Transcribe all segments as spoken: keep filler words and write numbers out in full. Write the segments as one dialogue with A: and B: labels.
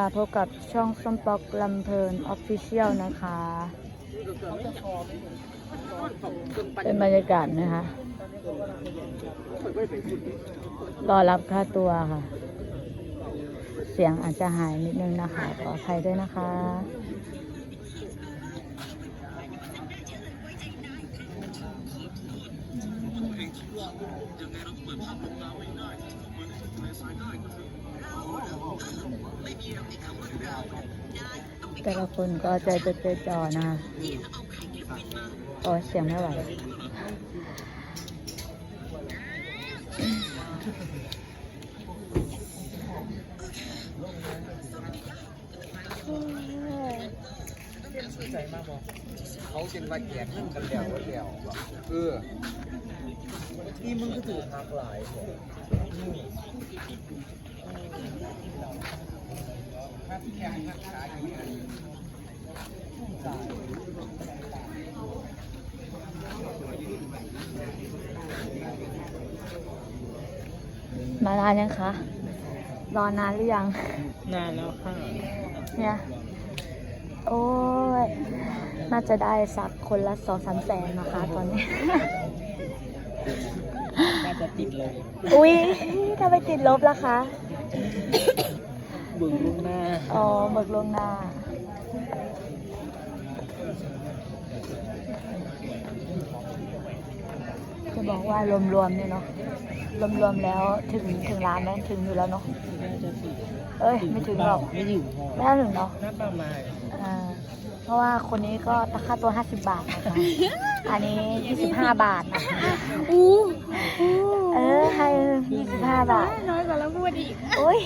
A: พบกับช่องส้มป๊อกลำเพลินออฟฟิเชียลนะคะเป็นบรรยากาศนะคะรอรับค่าตัวค่ะเสียงอาจจะหายนิดนึงนะคะขออภัยด้วยนะคะแต่ละคนก็ใจจดใจจ่อนะโอ้เสียงไม่ไหว
B: ใจมากบอกเขาเป็นว่าแก่ขึ้นกันแล้วแล้วเออที่มึงก็ถือหักหลาย
A: มานานยังคะรอนานหรือยัง
B: นานแล้วค่ะ
A: เนี่ยโอ้ยน่าจะได้สักคนละสองสามแสนนะคะตอนนี้
B: น่าจะติดลบ
A: อุ้ยทำไมติดลบล่ะคะ
B: เบิกล่วงหน้า
A: อ๋อเบิกล่วงหน้าจะบอกว่ารวมๆเนี่ยเนาะรวมๆแล้วถึงถึงล้านไหมถึงอยู่แล้วเนาะเอ้ยไม่ถึงหรอก
B: ไม่ถึง
A: ไม่ถึงเนาะ
B: น่าประมาณ
A: อ่าเพราะว่าคนนี้ก็ราคาตัวห้าสิบบาทนะคะอันนี้ยี่สิบห้าบาทนะคะอู้เออให้ยี่สิบห้าบาท
C: น้อยกว่าแล้วพูดอีก
A: โอ้ย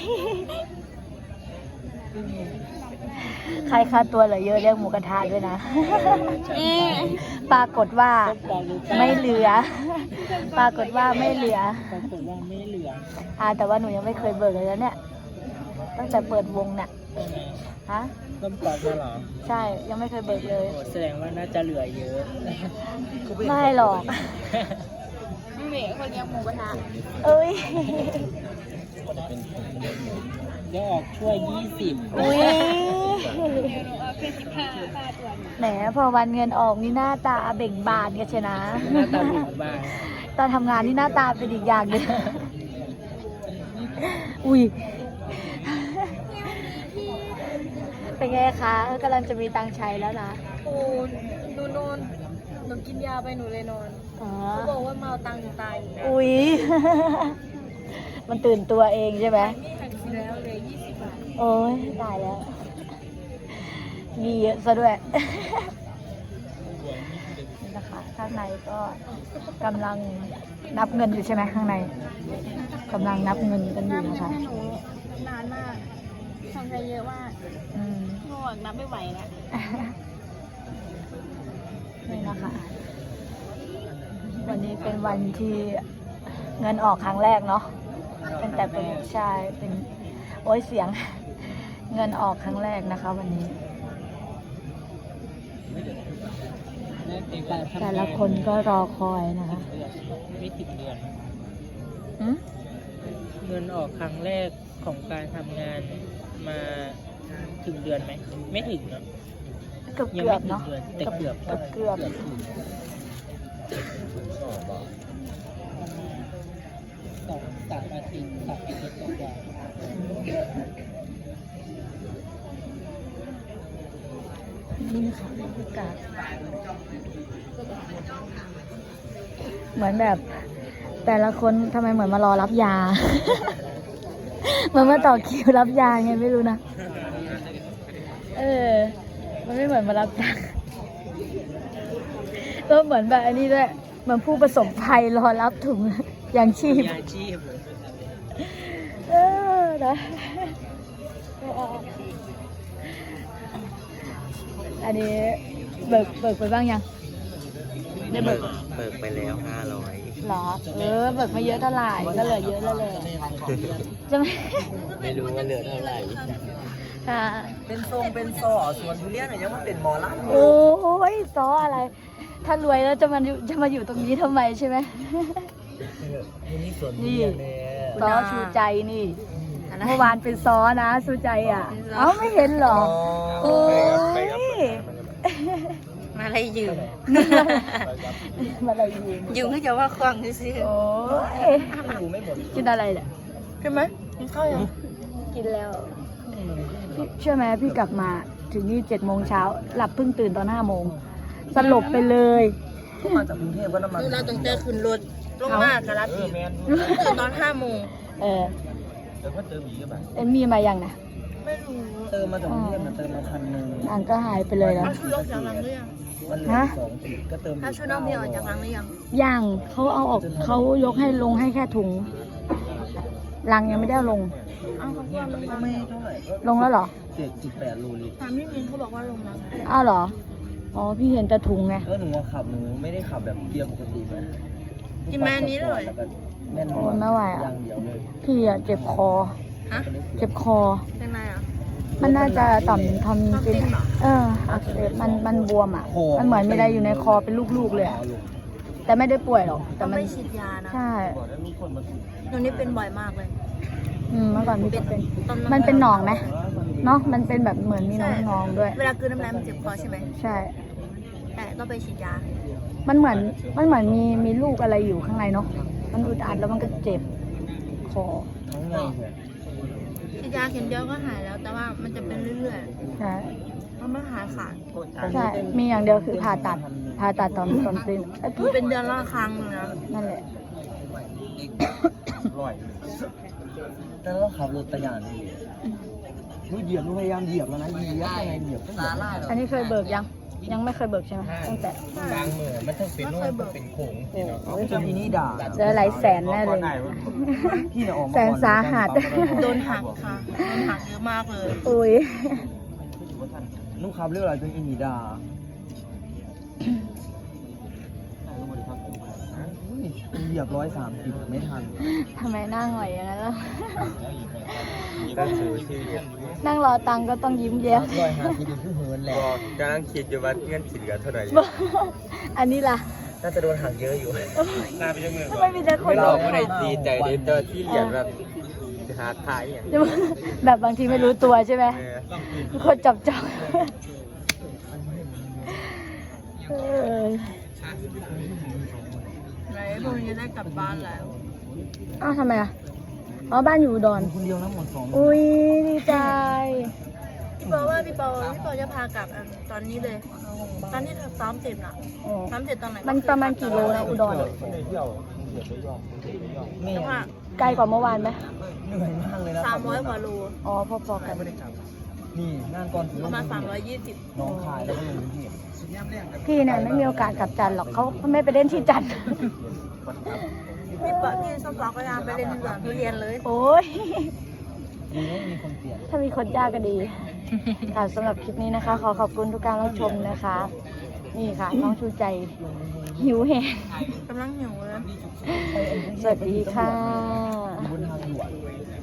A: ใครค่าตัวเหลือเยอะเรียกหมูกระทะด้วยนะปรากฏว่าไม่เหลือปรากฏว่าไม่เหลือ
B: ปรากฏว่าไม่เหลือ
A: อ่าแต่ว่าหนูยังไม่เคยเบิกเลยแล้วเนี่ยตั้งแต่เปิดวงเนี่ยฮะ
B: ต้มปลาเหรอ
A: ใช่ยังไม่เคยเบิกเลย
B: แสดงว่าน่าจะเหลือเยอะ
A: ไม่หรอก
C: ไม่เหม่คนเลี้ยงหมูกระทะ
A: เอ้ย
B: เดี๋ยวออกช่วยยี่สิบ
A: อุ้ยแหมพอวันเงินออกนี่หน้าตาเบ่งบานกันใช่นะ
B: หน้าตาเบ่งบาน
A: ตอนทำงานนี่หน้าตาเป็นอีกอย่างหนึ่งอุ้ยเป็นไงคะกำลังจะมีตังค์ใช้แล้วนะ
C: โอ้หนูนอนหนูกินยาไปหนูเลยนอนเขาบอกว่าเมาตังค์ตาย
A: อุ้ยมันตื่นตัวเองใช่ไหม
C: นี่หักแล้วเลยยี่สิบบาท
A: โอ้ยตายแล้วมีเยอะซะด้วยนี่นะคะข้างในก็กำลังนับเงินอยู่ใช่ไหมข้างในกำลังนับเงินกันอยู่นะคะ
C: หนูนานมากทำใจเยอะมากง่วงนับไม่ไหวแล้ว
A: นี่นะคะวันนี้เป็นวันที่เงินออกครั้งแรกเนาะตั้งแต่เป็นชายเป็นโอ้ยเสียงเงินออกครั้งแรกนะคะวันนี้แต่ละคนก็รอคอยนะคะ
B: ไม่ถึงเดือน
A: เ
B: งินออกครั้งแรกของการทำงานมาถึงเดือนไหมไม่ถึงเนาะ
A: เกือบเกือบเนาะ
B: แต่เกือบ
A: เกือบเกือบ
B: สองสามอาทิตย์สามอาทิตย์กว่า
A: นี่ค่ะบรรยากาศเหมือนแบบแต่ละคนทำไมเหมือนมารอรับยาเหมือนมาต่อคิวรับยาไงไม่รู้นะเออมันไม่เหมือนมารับยาก็เหมือนแบบอันนี้ด้วยเหมือนผู้ประสบภัยรอรับถุงยางชีพ
B: ยางชีพ
A: เออนะอันนี้เบิกเบิกไปบ้างยัง
B: ได้เบิกเบิกไปแล้วห้าร้อย
A: หรอเออเบิกมาเยอะเท่าไหร่ก็เหลือเยอะแล้วเลยจะไม่
B: ไม่รู้ว่าเหลือเท่าไหร่
A: ค่ะ
B: เป็นทรงเป็นซอส่วนทุเรียนเนี่ยยังมันเป็นหมอลำ
A: โอ้ยซออะไรถ้ารวยแล้วจะมาจะมาอยู่ตรงนี้ทำไมใช่ไหม
B: นี่ส่วนทุเรียน
A: ซอชูใจนี่
C: อะไร
A: เมื่อวานเป็นซ้อนะสู้ใจอ่ะ เอ้าไม่เห็นเหรอ โอ้ย
C: มาอะไรยืม
A: มาอะไรยืม
C: ยืมก็จะว่าควงซื้อ
A: โอ้ยกินอะไรเนี่ย
C: ใช่ไหมกินข้าวยัง
A: กินแล้วพี่เชื่อไหมพี่กลับมาถึงนี่เจ็ดโมงเช้าหลับเพิ่งตื่นตอนห้าโมงสลบไปเลย
B: ก็มาจากกรุงเทพก็น้ำมัน
C: เราต้องเจอขึ้นรถลงมากกะลัด
B: เอ
C: อี
B: อก แมน
C: ตื่นตอนห้าโมง
A: เออ
B: เดี๋ยวก็เจอหมีกันแบบ
A: เอ็มมีมายังนะ
C: ไม่รู้
B: เติมมาจากกรุงเทพนะเติมมาพันหนึ่ง
A: อ่านก็หายไปเลยแล้ว
C: เอาชุดออกจากรังหรือยัง
B: มันเหลือสองขีดก็เติม
C: ถ้าชุดน้องพี่ออกจากรังหรือยัง
A: ยังเขาเอาออกเขายกให้ลงให้แค่ถุงลังยังไม่ได้เอาลง
C: อ้าวเขาควงลงมา
B: ไม่เท่าไหร่ก็
A: ลงแล้วเหรอ
B: เจ็ดจุดแปดโลลิตร
C: ถามพี่มินเขาบอกว่าลงแล้ว
A: อ้าวเหรอ อ๋อพี่เห็นแต่ถุงไง
B: ก็หนูว่าขับหนูไม่ได้ขับแบบเกียร์ปกติไหม
C: กินมาอันนี้เลย
B: แล้วก็แน่น
A: โอ้ยไม่ไหวอะ
B: อย่างเดียวเลย
A: พี่อะเจ็บคอ
C: ฮะ
A: เจ็บคอ
C: เป็นไรอ่ะ
A: มันน่าจะต่อมทำเป็น
C: ทำเป็นเหรอ
A: เอออักเสบมันมันบวมอ่ะ มันเหมือนมีอะไรอยู่ในคอเป็นลูกๆเลยอะ
B: เอาลูก
A: แต่ไม่ได้ป่วยหรอก แต่
C: ต้อง
A: มัน
C: ไปฉีดยานะ
A: ใช่
B: บอกแล้วมีคนมาถูก
C: หนูนี่เป็นบ่อยมากเลย
A: อืมเมื่อก่อนพี่ก็เป็น
C: ตอ
A: มันเป็นหนองไหมเนาะ มันเป็นแบบเหมือนมีน้องนองๆด้วย
C: เวลากลืนน้ำลายมันเจ็บคอใช่ไหม
A: ใช่
C: แต่ต้องไปฉีดยา
A: มันเหมือน มันเหมือนมีมีลูกอะไรอยู่ข้างในเนาะ มันอึดอัดแล้วมันก็เจ็บคอ
B: ทั้งไงเถอะ
C: ฉีดยาเข็มเดียวก็หายแล้ว แต่ว่ามันจะเป็นเรื่อย
A: ใช่
C: ๆมันไม่หายขาด
A: ใช่ มีอย่างเดียวคือผ่าตัด ผ่าตัดตอนตอนสิ้นเอ้ย
C: มันเป็นเดือนละครั้งเลยนะ
A: นั่นแหละ
B: ร่อยแต่เราขับรถตะยานนี่หนูเหยียบหนูพยายามเหยียบแล้วนะเหยียบยังไงเหยียบตาล่า
A: อันนี้เคยเบิกยัง ยังไม่เคยเบิกใช่ไหมตั้งแต่
B: บางมือมันต้องเป็นนู่นต้องเป็นโขง
A: โอ้ย
B: จนทีนี้ด่า
A: เจอหลายแสนแน่เลย
B: พี่เนี่ยออกมา
A: แสนสาหัส
C: โดนหักค่ะ โดนหักเยอะมากเลย
A: อุ้ย
B: ลูกขับเรื่องอะไรจนอีนีด่าเหยียบร้อยสามสิบไม่ทัน
A: ทำไมหน้าหงอยอย่างนั้นล่ะ
D: ตั้งสูชีวิต
A: นั่งรอตังค์ก็ต้องยิ้มแย้ม
B: ร้อยห้าสิบคือเหินแหละ
D: บอกกำลังคิดอยู่ว่าเงินสิเหลือเท่าไหร่
A: อันนี้ล่ะ
B: น่าจะโดนหักเยอะอยู่
D: หน้าไปจังมือ
A: ทำไมมีแต่คน
D: ไม่
A: บ
D: เรา
A: อก
D: ไม่ได้ดีใจเลยแต่ที่เหรียญแบบจะหาขายอย่าง
A: แบบบางทีไม่รู้ตัวใช่ไหม
D: เออ
A: คนจับจับเออ
C: ไหนพรุ่งนี้ได้กลับบ้านแล้ว
A: อ้าวทำไมอ่ะ อ๋อบ้านอยู่อุดร
B: คนเดียวนะหมดสอง
A: อุ้ยดีใจ
C: พี่ปอว่าพี่ปอพี่ปอจะพากลับอ่ะตอนนี้เลย ตอนที่เธอซ้อมเสร็จน่ะ
A: โอ้
C: ซ้อมเสร็จตอนไหน
A: มันประมาณกี่โลนะอุดร
B: แม่
C: จังหวะ
A: ไกลกว่าเมื่อวานไหม
B: เหนื่อยมากเลยนะ
C: สามร้อยกว่าโล
A: อ๋อพอๆกัน
B: นี่งานก่อนถึง
C: ประมาณสามร้อยยี่สิบ
B: น้องคายแล้วก็ลงพื้นที่
A: พี่เนี่ยไม่มีโอกาสกลับจันทร์หรอกเขาไม่ไปเล่นที่จันทร์
C: พี่ปอพี่ส้มปอก็ยังไปเรียนที่สวนทุเรียนเลย
A: โอ้ย
B: ดีนะมีคนเปลี่ยน
A: ถ้ามีคนยากก็ดี ค่ะสำหรับคลิปนี้นะคะ ขอขอบคุณทุกการรับชมนะคะ นี่ค่ะ น้องชูใจ หิวแหง
C: กำลังหิวเลย
A: สวัสดีค่ะ
B: บนทางด่วน